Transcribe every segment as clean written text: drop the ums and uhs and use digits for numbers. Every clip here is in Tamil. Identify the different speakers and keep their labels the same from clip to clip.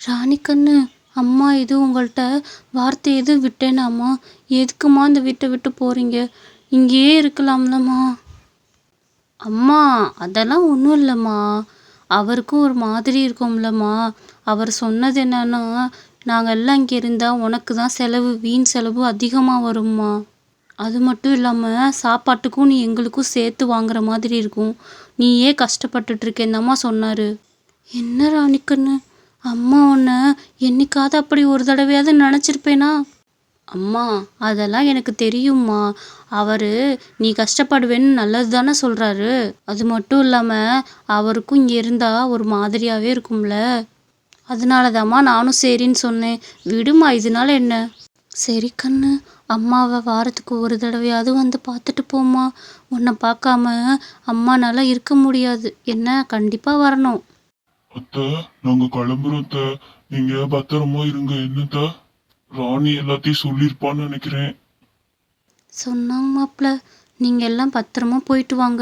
Speaker 1: ராணிக்கண்ணு, அம்மா எதுவும் உங்கள்கிட்ட வார்த்தை எதுவும் விட்டேனாம்மா? எதுக்குமா இந்த வீட்டை விட்டு போறீங்க? இங்கேயே இருக்கலாம்லம்மா? அம்மா, அதெல்லாம் ஒன்றும் இல்லைம்மா. அவருக்கும் ஒரு மாதிரி இருக்கும்லம்மா. அவர் சொன்னது என்னன்னா, நாங்கள் எல்லாம் இங்கே இருந்தால் உனக்கு தான் செலவு, வீண் செலவு அதிகமாக வரும்மா. அது மட்டும் இல்லாமல் சாப்பாட்டுக்கும் நீ எங்களுக்கும் சேர்த்து வாங்குற மாதிரி இருக்கும். நீயே கஷ்டப்பட்டுட்டு இருக்கேன்னம்மா சொன்னார். என்ன ராணிக்கண்ணு, அம்மா உன்னை என்னைக்காவது அப்படி ஒரு தடவையாவது நினச்சிருப்பேனா? அம்மா, அதெல்லாம் எனக்கு தெரியும்மா. அவர் நீ கஷ்டப்படுவேன்னு நல்லது தானே சொல்கிறாரு. அது மட்டும் இல்லாமல் அவருக்கும் இங்கே இருந்தால் ஒரு மாதிரியாகவே இருக்கும்ல. அதனால தாம்மா நானும் சரின்னு சொன்னேன். விடுமா, இதனால என்ன? சரி கண்ணு, அம்மாவை வாரத்துக்கு ஒரு தடவையாவது வந்து பார்த்துட்டு போம்மா. உன்னை பார்க்காம அம்மானால இருக்க முடியாது. என்ன, கண்டிப்பாக வரணும்.
Speaker 2: அத்தை, நாங்க கிளம்புறோம் அத்தை. நீங்க பத்திரமா இருங்க. என்னத்த ராணி எல்லாத்தையும் சொல்லியிருப்பான்னு நினைக்கிறேன்.
Speaker 1: சொன்னாங்க மாப்பிள்ள, நீங்கள் எல்லாம் பத்திரமா போயிட்டு வாங்க.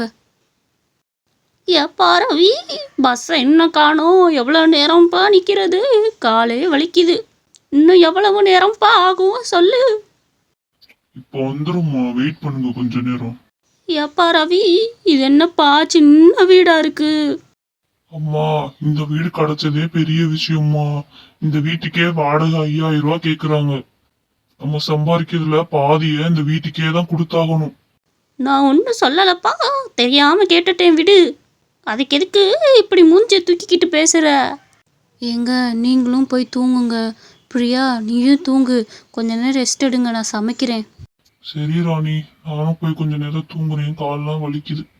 Speaker 1: ஏப்பா ரவி, பஸ்ஸை இன்னும் காணோம். எவ்வளோ நேரம்ப்பா நிற்கிறது? காலே வலிக்குது. இன்னும் எவ்வளவு நேரம்ப்பா ஆகும் சொல்லு.
Speaker 2: இப்போ வந்துரும்மா, வெயிட் பண்ணுங்க கொஞ்ச நேரம்.
Speaker 1: ஏப்பா ரவி, இது என்னப்பா சின்ன வீடா இருக்கு?
Speaker 2: அம்மா, இந்த வீடு கிடைச்சதே பெரிய விஷயம்மா. இந்த வீட்டுக்கே வாடகை 5000 ரூபாய் கேக்குறாங்க. நம்ம சம்பாதிக்கிறதுல பாதியை இந்த வீட்டுக்கே தான் கொடுத்தாகணும்.
Speaker 1: நான் ஒன்றும் சொல்லலப்பா, தெரியாமல் கேட்டுட்டேன், விடு. அதுக்கு எதுக்கு இப்படி மூஞ்சியை தூக்கிக்கிட்டு பேசுகிற? ஏங்க, நீங்களும் போய் தூங்குங்க. பிரியா, நீயும் தூங்கு. கொஞ்ச நேரம் ரெஸ்ட் எடுங்க, நான் சமைக்கிறேன்.
Speaker 2: சரி ராணி, நானும் போய் கொஞ்ச நேரம் தூங்குறேன். கால்லாம் வலிக்குது.